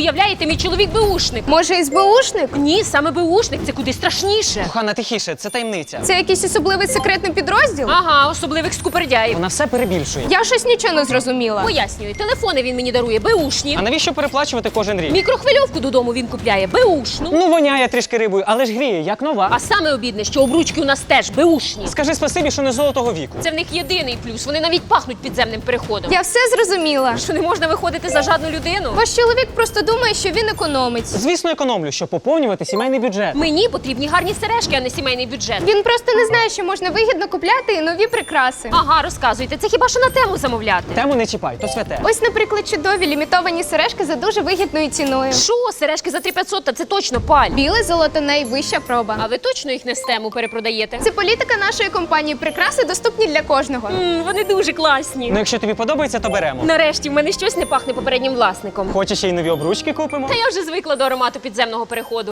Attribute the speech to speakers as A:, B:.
A: Уявляєте, мій чоловік беушник.
B: Може, СБУшник?
A: Ні, саме беушник, це куди страшніше.
C: Кохана, тихіше, це таємниця.
B: Це якийсь особливий секретний підрозділ?
A: Ага, особливих скупердяїв.
C: Вона все перебільшує.
B: Я щось нічого не зрозуміла.
A: Пояснюю, телефони він мені дарує беушні.
C: А навіщо переплачувати кожен рік?
A: Мікрохвильовку додому він купляє беушну.
C: Ну, воняє трішки рибою, але ж гріє, як нова.
A: А саме обідне, що обручки у нас теж беушні.
C: Скажи спасибі, що не золотого віку.
A: Це в них єдиний плюс. Вони навіть пахнуть підземним переходом.
B: Я все зрозуміла.
A: Що не можна виходити за жадну людину?
B: Ваш чоловік просто думає, що він економить.
C: Звісно, економлю, щоб поповнювати сімейний бюджет.
A: Мені потрібні гарні сережки, а не сімейний бюджет.
B: Він просто не знає, що можна вигідно купляти і нові прикраси.
A: Ага, розказуйте. Це хіба що на тему замовляти?
C: Тему не чіпай, то святе.
B: Ось, наприклад, чудові лімітовані сережки за дуже вигідною ціною.
A: Що, сережки за 3500, та це точно паль.
B: Біле золото найвища проба.
A: А ви точно їх не з тему перепродаєте?
B: Це політика нашої компанії. Прикраси доступні для кожного.
A: Вони дуже класні.
C: Ну, якщо тобі подобається, то беремо.
A: Нарешті в мене щось не пахне попереднім власником.
C: Хочеш ще й нові обручки купимо?
A: Та я вже звикла до аромату підземного переходу.